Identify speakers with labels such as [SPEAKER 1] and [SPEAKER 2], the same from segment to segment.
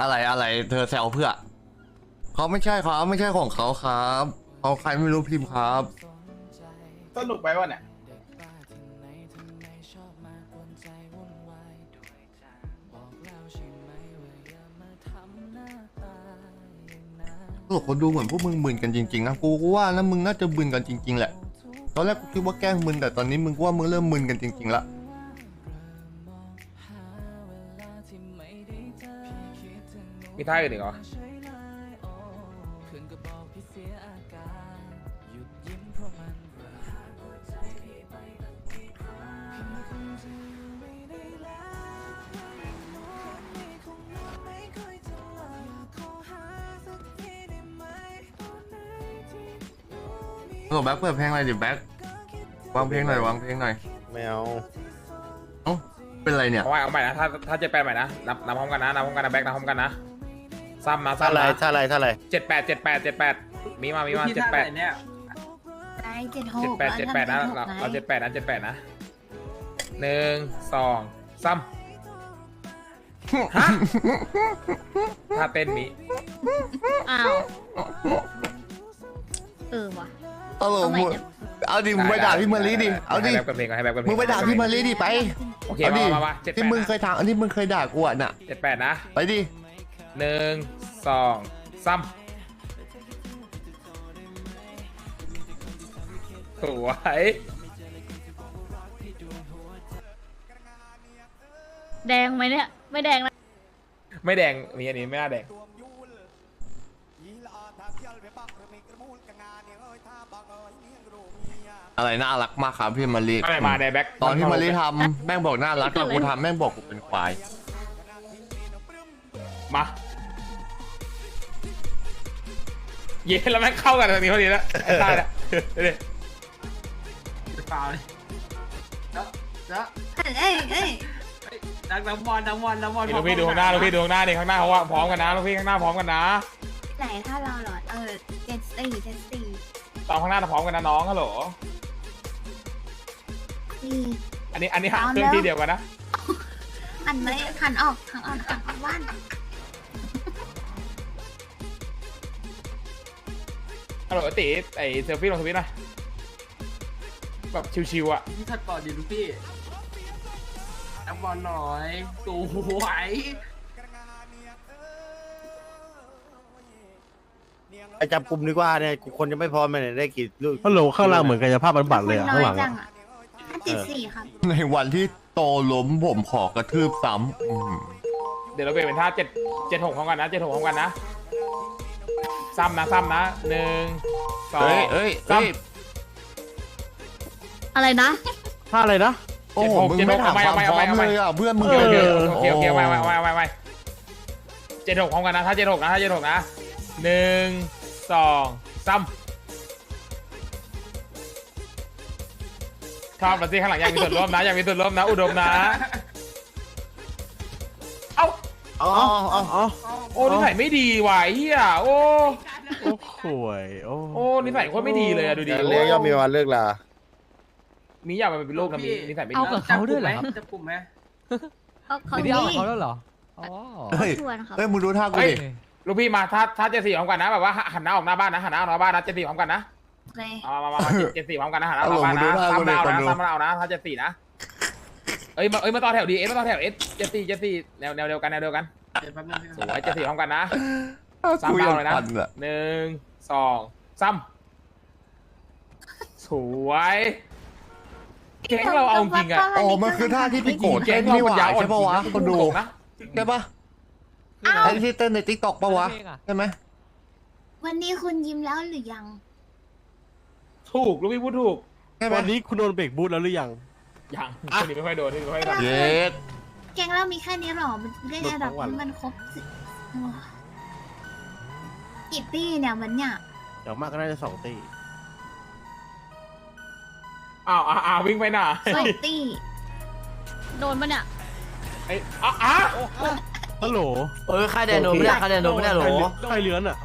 [SPEAKER 1] อะไรเธอแซวเพื่อเขาไม่ใช่ครับไม่ใช่ของเขาครับเขาใครไม่รู้พิมพ์ครับ
[SPEAKER 2] สนุกไปวะเนี่ย
[SPEAKER 1] ตลกคนดูเหมือนพวกมึงมึนกันจริงๆนะกูว่านะมึงน่าจะมึนกันจริงๆแหละตอนแรกกูคิดว่าแกล้งมึนแต่ตอนนี้มึงว่ามึงเริ่มมึนกันจริงๆละ
[SPEAKER 2] มีท่าอื่นอีกเหรอ
[SPEAKER 1] โหแบ็คเปิดเพลงอะไรดิแบ็ควางเพลงหน่อยวางเพลงหน่อย
[SPEAKER 3] ไม่เอา
[SPEAKER 1] เอ้าเป็นไรเนี่ย
[SPEAKER 2] เอาใหม่นะถ้า78ใหม่นะนับพร้อมกันนะนับพร้อมกันนะแบ็คนับพร้อมกันนะซ้ำนะ
[SPEAKER 3] ถ้าอะไร
[SPEAKER 2] 78มีมา78เนี่ย
[SPEAKER 4] ไอ้
[SPEAKER 2] 78นะเรา78นะ1 2 3ฮะถ้าเต้นมี
[SPEAKER 4] อ้าวว่ะ
[SPEAKER 1] เอาหลมึงเอาดิมึงไปด่าพี่มารีดิเอาดิมึงไปด่าพี่มารีดิไป
[SPEAKER 2] โอเคมา
[SPEAKER 1] ที่มึงเคยทำอันที่มึงเคยด่ากูอ่ะน่ะ
[SPEAKER 2] 78นะ
[SPEAKER 1] ไปดิ
[SPEAKER 2] 1 2 3สวย
[SPEAKER 4] แดงไหมเนี่ยไม่แดงนะ
[SPEAKER 2] ไม่แดงมีอันนี้ไม่น่าแดง
[SPEAKER 1] อะไรน่ารักมากครับพี่มารี
[SPEAKER 2] อะไรมาในแบ็ค
[SPEAKER 1] ตอนที่มารีทำแม่งบอกน่ารักตอนกูทำแม่งบอกกูเป็นควาย
[SPEAKER 2] มาเย้แล้วแม่งเข้ากันตรงนี้พอดีแล้วตายแล้วเปล่าเลย
[SPEAKER 4] เอ้ย
[SPEAKER 2] น้ำมันลูกพี่ดูข้างหน้าดิข้างหน้าเขาว่าพร้อมกันนะลูกพี่ข้างหน้าพร้อมกันนะ
[SPEAKER 4] ไหนถ้าเราหรอเจ็ดสี่
[SPEAKER 2] ตอนข้างหน้าพร้อมกันนะน้องฮัลโหลอันนี้หักเครื่องที่เดียวกันนะ
[SPEAKER 4] อันไม่ขันออกว่าน
[SPEAKER 2] ฮัลโหลติไอเซลฟี่ลงทวิตหน่อยแบบชิวๆอ่ะ
[SPEAKER 5] พี่ถัดก่อนดิลูกพี่นับบอลหน่อยสวย
[SPEAKER 3] ไอจับกลุ่มดีกว่าเนี่ยคนจะไม่พอมันได้กี่ลูก
[SPEAKER 6] ฮัลโหลข้างล่างเหมือนกายภาพบำบัดเลยอะข้างหลัง
[SPEAKER 4] 74ครับ
[SPEAKER 1] ในวันที่โตล้มผมขอกระทืบซ้ำ
[SPEAKER 2] เดี๋ยวเราเปลี่ยนเป็นท่า7 6พร้อมกันนะ7 6พร้อมกันนะซ้ำนะ1 2ซ้ำ
[SPEAKER 4] อะไรนะ
[SPEAKER 6] ท่าอะไรนะ
[SPEAKER 1] โอ้โหมึงไม่ถามความพร้อมเลยอ่ะเพื่อนมึง
[SPEAKER 2] โอเคไม่7 6พร้อมกันนะท่า7 6นะ1 2 ซ้ำชอบมาสิข้างหลังอยากมีส่วนร่วมนะอุดมนะเอ้าโอ้นิสัยไม่ดีว่ะเฮียโอ้
[SPEAKER 6] ข่วย
[SPEAKER 2] โอ้นิสัยโคตรไม่ดีเลยอะดูดิ
[SPEAKER 3] เลี้ยงย่อมมีวันเลิกลา
[SPEAKER 2] มีอยากเป็นโรคนะมีนิสัยไม่ดี
[SPEAKER 5] เอากับเขาด้วยเหรอจับกลุ่มไหม
[SPEAKER 4] ไม่ได้เอากับเขา
[SPEAKER 6] แล้วเหรอ
[SPEAKER 1] เฮ้ยมึงดูท่ากูดิ
[SPEAKER 2] ลูกพี่มาท่า74พร้อมกันนะแบบว่าหันหน้าออกหน้าบ้านนะ74พร้อมกันนะมา74พร้อมกันนะหันหน้าออกบ้านนะซ้ำเอานะท่า74นะเอ้ยมาต่อแถวดีมาต่อแถว74แนวเดียวกันสวย74พร้อมกันนะซ้ำเอาเลยนะ1 2 ซ้ำสวยแก๊งเราเอาจริงอะ
[SPEAKER 1] อ๋อมันคือท่าที่พี่โกดเต้นนี่หว่าใช่ปะวะคนดู
[SPEAKER 2] นะ
[SPEAKER 1] ใช่ปะไอ้ที่เต้นในติ๊กต็อกปะวะใช่ไหม
[SPEAKER 4] วันนี้คุณยิ้มแล้วหรือยัง
[SPEAKER 2] ถูกลูกพี่พูดถูก
[SPEAKER 6] วันนี้คุณโดนเบรกบูทแล้วหรือยัง
[SPEAKER 2] คนนี้ไม่ค่อยโดน
[SPEAKER 1] เย็ด
[SPEAKER 4] แกงเรามีแค่นี้หรอมันได้ระดับมันครบกี่ตี้เนี่ยมันเนี่ย
[SPEAKER 6] อย่างมากก็น่าจะ2 ตี
[SPEAKER 2] วิ่งไปหน่า
[SPEAKER 4] 2 ตี้โดนปะเนี่ย
[SPEAKER 2] ไอ้
[SPEAKER 6] ฮัลโหล
[SPEAKER 5] ค่ายแดนโดนไม่ได้หรอ
[SPEAKER 6] ค่ายเลื้อนอ่ะ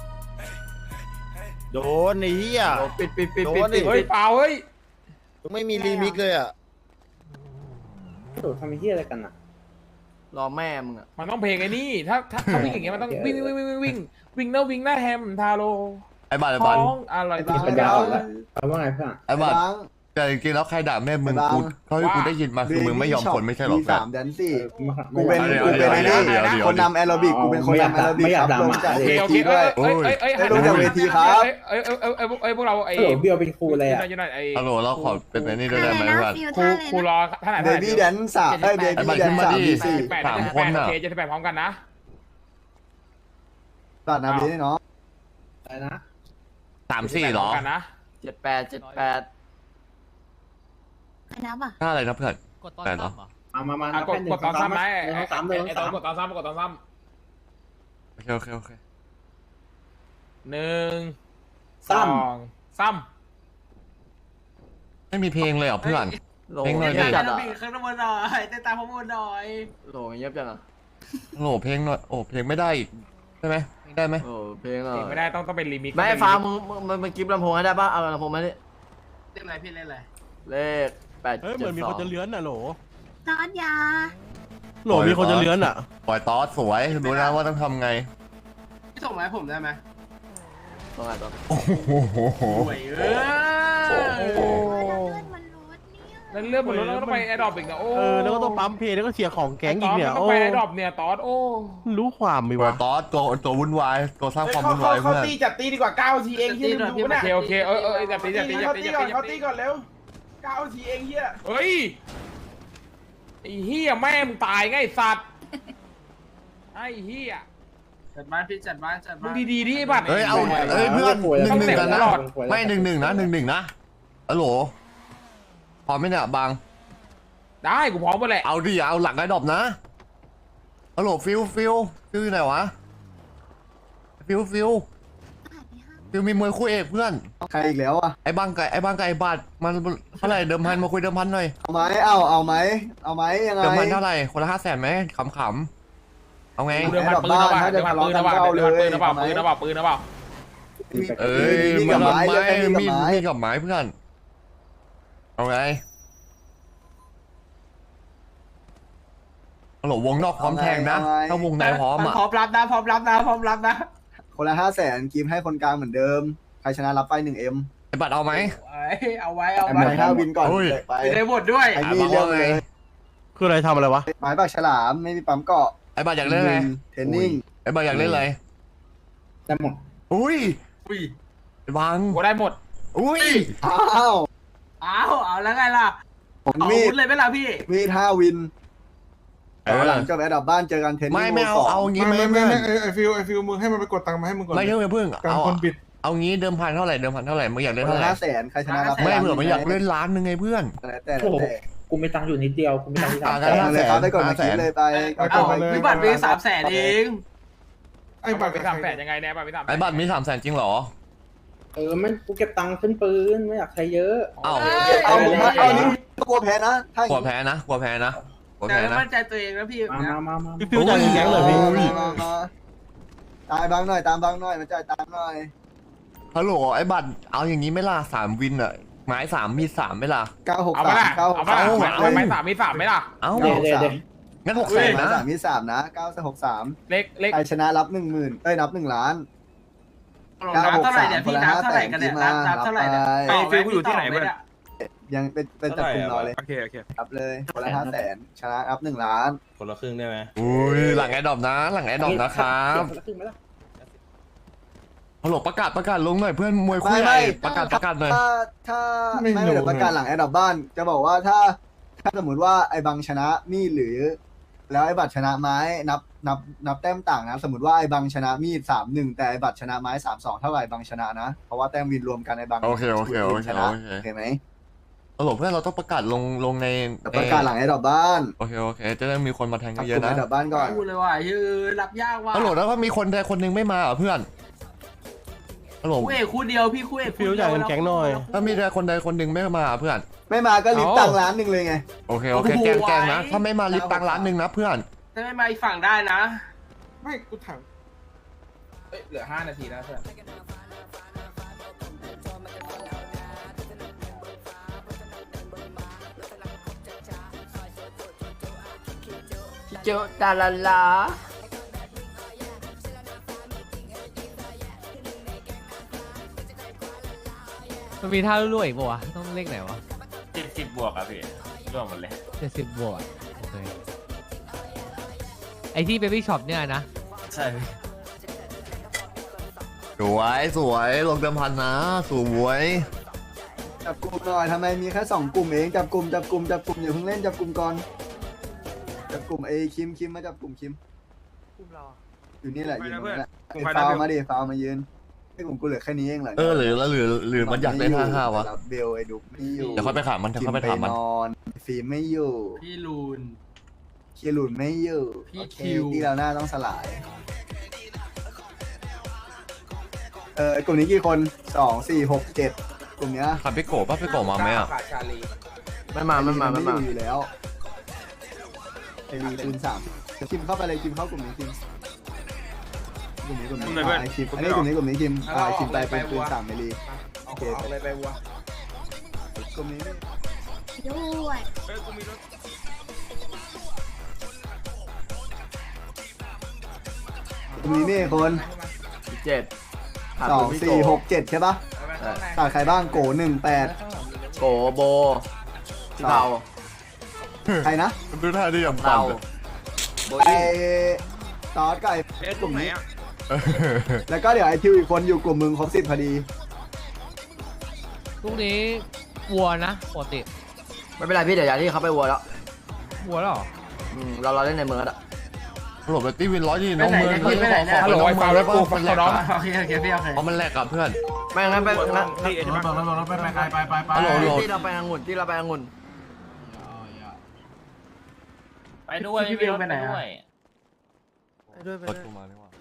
[SPEAKER 3] โดนไอ้เหี้ย
[SPEAKER 5] ปิด
[SPEAKER 2] เฮ้ยเปล่าเฮ้ย
[SPEAKER 3] ไม่มีรีมิกเลยอ่ะ
[SPEAKER 5] ทำเหี้ยอะไรกันอ่ะรอแม่มึงอ่ะ
[SPEAKER 2] มันต้องเพลงไอ้นี่ถ้าวิ่งอย่างเงี้ยมันต้องวิ่งหน้าแฮมทาโร่
[SPEAKER 1] ไอ้บัตร
[SPEAKER 2] ของอร่อย
[SPEAKER 7] ปัญญาอ่อนแล้วเอาว่าไงเพื่อน
[SPEAKER 1] ไอ้บัตรแต่จริงๆแล้วใครด่าแม่มึงกูเท่าที่กูได้ยินมาคือมึงไม่ยอมคนไม่ใช่หรอ
[SPEAKER 8] มี
[SPEAKER 1] เพื่อน
[SPEAKER 8] 3แดนซี่
[SPEAKER 7] กูเป็น
[SPEAKER 8] ไอ้นี่คนนำแอโรบิกกูเป็นคนนำแอโรบิกครับลงจากเว
[SPEAKER 2] โอเค
[SPEAKER 8] ทีด้วย ลงจากเวทีครับ
[SPEAKER 2] พวกเราไอ้
[SPEAKER 7] โอ้เบียวเป็นครูเลยอ่ะ
[SPEAKER 2] อยู่หน่อยไอ้
[SPEAKER 1] ฮัลโหลเราขอเป็นไอ้นี่ด้วยได้ไหม
[SPEAKER 4] อะไร
[SPEAKER 1] เพื่อน
[SPEAKER 4] นะฟิว
[SPEAKER 2] ครู
[SPEAKER 4] ท่าอะไรนะ
[SPEAKER 2] ครูรอท่าไหน
[SPEAKER 8] เบบี้แดนสามเบบี้แดนสามดีสี่
[SPEAKER 2] โอเคจะไปพร้อมกันนะ
[SPEAKER 8] ตัดนาบีนี่เนาะ
[SPEAKER 7] อะไรนะ
[SPEAKER 1] 3-4หรอ
[SPEAKER 2] กันนะ
[SPEAKER 5] 78
[SPEAKER 4] ใครนับอ่ะ
[SPEAKER 1] ถ้าอะไรนะเพื่อน
[SPEAKER 9] กดตอน
[SPEAKER 1] แต่เนาะ
[SPEAKER 9] ซ้ำเหรอ
[SPEAKER 7] มาก
[SPEAKER 2] ดตอนซ้ำไหม
[SPEAKER 7] สามเลย
[SPEAKER 2] ไอ้ตอนกดตอนซ้ำกดตอนซ้
[SPEAKER 1] โอเค
[SPEAKER 2] ำ1 2 ซ้ำ
[SPEAKER 1] ไม่มีเพลงเลยเหรอเพื่อน
[SPEAKER 5] โหล
[SPEAKER 1] เพลงหน่อยดิ
[SPEAKER 5] เงียบจัดอ่ะ
[SPEAKER 9] ข้างบนหน่อยเต้นตามข้างบนหน่อย
[SPEAKER 5] โหลเงียบจังอ่ะ
[SPEAKER 1] โอ้โหเพลงหน่อยโอ้เพลงไม่ได้อีกใช่ไหมเพลงได้ไหม
[SPEAKER 5] โอ้เพลงอ่ะ
[SPEAKER 2] ไม่ได้ต้องเป็นรีมิกซ์
[SPEAKER 5] ไม่ฟ้ามึงกิฟต์ลำโพงให้ได้ป่ะเอาลำโพงมาดิ
[SPEAKER 9] เล่นอะไรพี่เล่นอะไร
[SPEAKER 5] เลข8
[SPEAKER 6] เฮ้ยเหมือนมีคนจะ
[SPEAKER 5] 7 2
[SPEAKER 6] เลื้อนน่ะโหล
[SPEAKER 4] ตอนยา
[SPEAKER 6] โหลมีคนจะเลื้อนอ่ะ
[SPEAKER 1] ปล่อยตอสสวยรู้นะว่าต้องทำไง
[SPEAKER 9] พี่ส่งมาให้ผมได้ไหม
[SPEAKER 5] ต้องไงต่อ
[SPEAKER 1] โอ้โห
[SPEAKER 9] ห่วยเออ
[SPEAKER 4] เลือดมันลดเนี่ย
[SPEAKER 2] แล้วเรื่องมันลดแล้วก็ไปแอดดอปอีกนะโอ้
[SPEAKER 6] แล้วก็ต้องปั๊มเพลงแล้วก็เสียของแก๊งอีกเนี่ย
[SPEAKER 2] ต้อง
[SPEAKER 6] โอ้
[SPEAKER 2] ไปแอดดอปเนี่ยตอสโอ้
[SPEAKER 6] รู้ความมี
[SPEAKER 1] ปล่อ
[SPEAKER 6] วะ
[SPEAKER 1] ยตอสตัววุ่นวายตัวสร้างความวุ่นวายเพื่อน
[SPEAKER 2] จัดตีดีกว่า9ทีเองที่ลืมดูนะโอเคจัดตีก่อนเร็ว9ทีเองเฮียเฮ้ยไอ้เฮียแม่มึงตายไงสัตว์ไอ้เฮีย
[SPEAKER 9] จัดบ้านพี่จัดบ้าน
[SPEAKER 2] มึงดีๆดิไอ้บัตร
[SPEAKER 1] เฮ้ยเอาเฮ้ยเพื่อน1-1กันนะไม่1-1นะ1-1นะฮัลโหลพร้อมไหมเนี่ยบาง
[SPEAKER 2] ได้กูพร้อมหมดแหละ
[SPEAKER 1] เอาดิเอาหลังไอ้ดอบนะฮัลโหลฟิลอยู่ไหนวะฟิลมีมวยคู่เอกเพื่อน
[SPEAKER 8] ใครอีกแล้วอ่ะ
[SPEAKER 1] ไอ้บางไก่ไอ้บาทมันเท่าไหร่เดิมพันมาคุยเดิมพันหน่อย
[SPEAKER 8] เอาไหมเอาไหมยังไง
[SPEAKER 1] เดิมพันเท่าไหร่คนละ500,000ไหมขำๆเอาไง
[SPEAKER 2] เดินผ่านปืนนะว่ะเดินผ่านปืนนะว่ะเดินผ่านปืนนะว่ะปืนนะว่ะปืนนะว่ะ
[SPEAKER 1] เอ้ย
[SPEAKER 8] มีกับไม้เลย
[SPEAKER 1] มีกับไม้เพื่อนเอาไงฮัลโหลวงนอกพร้อมแทงนะถ้าวงในพร้อมอ่ะ
[SPEAKER 9] พร้อมรับนะพร้อมรับนะ
[SPEAKER 8] คนละ500,000กิมให้คนกลางเหมือนเดิมใครชนะรับไป 1M
[SPEAKER 1] ไอ้บัตรเอาไหม
[SPEAKER 9] เอาไว้
[SPEAKER 8] ไอ้หมายถ้าวินก่อนไป
[SPEAKER 9] ได้หมดด้วย
[SPEAKER 8] ไอ้นี่เรื่องเลย
[SPEAKER 6] คืออะไรทำอะไรวะ
[SPEAKER 8] หมายปากฉลามไม่มีปั๊มเกาะ
[SPEAKER 1] ไอ้บัตรอยากเล่นอะไร
[SPEAKER 8] เทรนนิ่ง
[SPEAKER 1] ไอ้บัตรอยากเล่นอะไร
[SPEAKER 7] ได้หมด
[SPEAKER 1] อุ้ย
[SPEAKER 9] อุ้ย
[SPEAKER 1] ไอ้บัง
[SPEAKER 2] กูได้หมด
[SPEAKER 1] อุ้ย
[SPEAKER 8] อ้าว
[SPEAKER 9] เอาแล้วไงล่ะ
[SPEAKER 8] ผม
[SPEAKER 9] เอา
[SPEAKER 8] มี
[SPEAKER 9] วุ
[SPEAKER 8] ด
[SPEAKER 9] ธเลยไหมล่ะพี่
[SPEAKER 8] มีด5วิน
[SPEAKER 1] เออ
[SPEAKER 8] หลังจบแอดดับบ้านเจอกันเทรนนิ่ง
[SPEAKER 1] ไม่เอางี้ไม่
[SPEAKER 10] ไอฟิลมึงให้มันไปกดตังค์มาให้มึงก่อน
[SPEAKER 1] ไม่เพิ่ง
[SPEAKER 10] การคนบิด
[SPEAKER 1] เอางี้เดิมพันเท่าไหร่มึงอยากเล่น
[SPEAKER 8] คน
[SPEAKER 1] เท่าไหร่
[SPEAKER 8] ละ500,000ใครชนะรับ
[SPEAKER 1] ไม่เผื่อมันอยากเล่นล้านนึงไงเพื่อน
[SPEAKER 8] แต่
[SPEAKER 7] โอ้โหกูมีตังค์อยู่นิดเดียวกูมีตังค์ที่สาม
[SPEAKER 1] อ่า
[SPEAKER 7] แสน
[SPEAKER 8] เลยครับได้กดมาคิดเลยไป
[SPEAKER 9] เอาพี่บัตรไป300,000เอง
[SPEAKER 10] ไอ้บัตร
[SPEAKER 2] ไป300,000ยังไงเนี่ยไป300,000
[SPEAKER 1] ไอ้บัตรมี300,000จริงเหรอ
[SPEAKER 7] มันกูเก็บตังค์ขึ้นปืนไม่อยากใช้เยอะ
[SPEAKER 1] เอ้า
[SPEAKER 8] เอานี่กลัวแพ้นะถ้าก
[SPEAKER 1] ลัวแพ้นะ
[SPEAKER 9] แต่มั่นใจตัวเองนะพี่
[SPEAKER 7] มา
[SPEAKER 6] พี่ฟิวจ่ายเงินแก๊งเลยพี่
[SPEAKER 8] ตายบางหน่อยตามบางหน่อยมาจ่ายตามหน่อย
[SPEAKER 1] ฮัลโหลไอ้บัตรเอาอย่างนี้ไม่ล่ะ3วินอ่ะไม้3มี3ไม่ล่ะ
[SPEAKER 2] เอาไปละเอาไปละเอาไป3มี3ไหมล่ะ
[SPEAKER 1] เอ้า
[SPEAKER 7] เดี๋ยว
[SPEAKER 1] งั้น600,000นะ
[SPEAKER 8] 3มี3นะ963
[SPEAKER 2] เล็ก
[SPEAKER 8] ใครชนะรับ 10,000นับ1ล้าน
[SPEAKER 9] นับเท่าไหร่เนี่ยพี่นับเท่าไหร่กันเนี่ยนับเท่าไหร่เนี่ย
[SPEAKER 8] ไอ้
[SPEAKER 9] ฟิลกูอยู่ที่ไหนเว้ย
[SPEAKER 8] ยังเป็นจับกลุ่มรอเลย
[SPEAKER 10] โอเค
[SPEAKER 8] รับเลยคนละ500,000ชนะรับ1ล้าน
[SPEAKER 10] คนละครึ่งได้ไหม
[SPEAKER 1] อุ้ยหลังไอ้ดอบนะนะครับ
[SPEAKER 7] ครึ่งไหมล่ะ
[SPEAKER 1] ฮัลโหลประกาศลงหน่อยเพื่อนมวยคู่ใหญ่ประกาศหน่อย
[SPEAKER 8] ถ้าไม่เดี๋ยวประกาศหลังแอดดับบ้าน จะบอกว่าถ้าสมมติว่าไอ้บังชนะมีดหรือ แล้วไอ้บัตรชนะไม้นับแต้มต่างนะสมมติว่าไอ้บังชนะมีด3-1แต่ไอ้บัตรชนะไม้3-2เท่าไหร่บังชนะนะเพราะว่าแต้มวินรวมกันไอ้บัง
[SPEAKER 1] โอเค
[SPEAKER 8] ชนะโอเคไหม
[SPEAKER 1] ฮัลโหลเพื่อนเราต้องประกาศลงใน
[SPEAKER 8] ประกาศหลังแอดดับบ้าน
[SPEAKER 1] โอเคจะได้มีคนมาแทง
[SPEAKER 8] จับ
[SPEAKER 1] เย
[SPEAKER 8] ก
[SPEAKER 1] อะ
[SPEAKER 8] ลุ่ม
[SPEAKER 1] ๆ
[SPEAKER 8] แอ
[SPEAKER 1] นะ
[SPEAKER 8] ดดับบ้านก่อน
[SPEAKER 9] พูดเลยว่ารับยากว่ะ
[SPEAKER 1] ฮัลโหลแล้วก็มีคนใดคนหนึ่งไม่มาเหรอเพื่อนฮัลโหล
[SPEAKER 9] คู่เอกคู่เดียวพี่คู่เอก
[SPEAKER 6] ฟิวจ่ายเงินแก๊งหน่อย
[SPEAKER 1] ถ้ามีใดคนใดคนหนึ่งไม่มาเพื่อน
[SPEAKER 8] ไม่มาก็ลิฟต์ตังล้านหนึ่งเลยไง
[SPEAKER 1] โอเคแกงนะถ้าไม่มาลิฟต์ตังร้านหนึ่งนะเพื่อน
[SPEAKER 9] ถ้าไม่มาอีกฝั่งได้นะ
[SPEAKER 10] ไม่กูถาม
[SPEAKER 2] เหลือ5 นาทีนะเพื่อน
[SPEAKER 8] ท
[SPEAKER 9] โจดาลาลา
[SPEAKER 11] มันมีท่าลุ่ยๆอีกป่าวะต้องเลขไหนวะ
[SPEAKER 5] 70 บวกอ่ะพี่รวมหมดเลย
[SPEAKER 11] 70 บวกโอเคไอที่เบบี้ช็อปเนี่ยนะ
[SPEAKER 5] ใช่
[SPEAKER 1] สวยสวยลงเดิมพันนะสวย
[SPEAKER 8] จับกลุ่มหน่อยทำไมมีแค่2 กลุ่มเองจับกลุ่มอย่าเพิ่งเล่นจับกลุ่มก่อนจับกลุ่มไอ้คิมมาจับกลุ่มคิมอยู่นี่แหละยืนตรงนี้แหละไอ้ฟาวมาดิฟาวมายืนไอ้กลุ่มกูเหลือแค่นี้เองเหรอ
[SPEAKER 1] หรือมันอยากได้5-5วะ
[SPEAKER 8] เบลไอ้ดุกไม่อยู่
[SPEAKER 1] เดี๋ยวค่อยไปถามมันเดี๋ยวค่อยไปถามมัน
[SPEAKER 8] นอนฟิล์มไม่อยู่
[SPEAKER 5] พี่ลูน
[SPEAKER 8] เคียรุนไม่อยู่
[SPEAKER 5] พี่
[SPEAKER 8] โอเค
[SPEAKER 5] คิว
[SPEAKER 8] ที่เราหน้าต้องสลายไอ้กลุ่มนี้กี่คน2 4 6 7กลุ่มเนี้ย
[SPEAKER 1] ขับพี่โกะป่ะพี่โกะมาไหมอ่ะ
[SPEAKER 3] ไม่มา
[SPEAKER 8] อยู่แล้วไอ้ลีคูณ3คิมเข้าไปเลยคิมเข้ากลุ่มนี้คิมกลุ่มนี้ไอ้คิมอันนี้กลุ่มนี้คิมไอ้คิมไปเป็นคูณ3ไอ้ลีโอเคไปวัวกลุ่มนี้
[SPEAKER 4] ด้วย
[SPEAKER 8] กลุ่มนี้นี่คน
[SPEAKER 3] 7
[SPEAKER 8] 2 4 6 7ใช่ปะขาดใครบ้างโก18
[SPEAKER 3] โกโบเรา
[SPEAKER 8] ใครนะ
[SPEAKER 1] ดูท่าที่ยัง
[SPEAKER 3] เรา
[SPEAKER 1] ปั่น
[SPEAKER 8] ไอ้ตอสกับไอ้กลุ่มนี้ แล้วก็เดี๋ยวไอ้ทิวอีกคนอยู่กลุ่มมึงครบ10พอดี
[SPEAKER 11] พรุ่งนี้วัวนะปกติ
[SPEAKER 3] ไม่เป็นไรพี่เดี๋ยวอย่างที่เขาไปวัวแล้ว
[SPEAKER 11] วัวแล้วเหรอ
[SPEAKER 3] เราเล่นในเมืองแล้ว
[SPEAKER 1] หลบไปตีวิน100ที่น้องเมือง
[SPEAKER 2] ฮัลโหลไอ้ฟาวแล้วกูฟังเขาน้อง
[SPEAKER 5] โอเคพี่โอเค
[SPEAKER 1] เพราะมันแลกกับเพื่อน
[SPEAKER 3] ไม่งั้นไปงั้น
[SPEAKER 1] ฮัลโหล
[SPEAKER 3] ที่เราไปองุ่น
[SPEAKER 5] ไปด้วยพี่วิวไปไหนอ่ะ
[SPEAKER 1] ประตูมาดีกว่า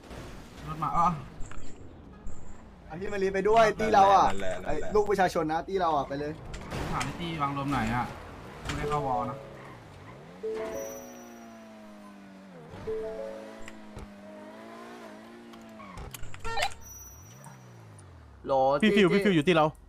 [SPEAKER 8] อันที่มารีไปด้วยตีเราอ่ะไอ้ลูกประชาชนนะตีเราอ่ะไปเลย
[SPEAKER 10] ถามที่วางลมไหนอ่ะไม่ได้เข้าวอลนะ
[SPEAKER 3] โหล
[SPEAKER 6] พี่ฟิวอยู่ที่เรา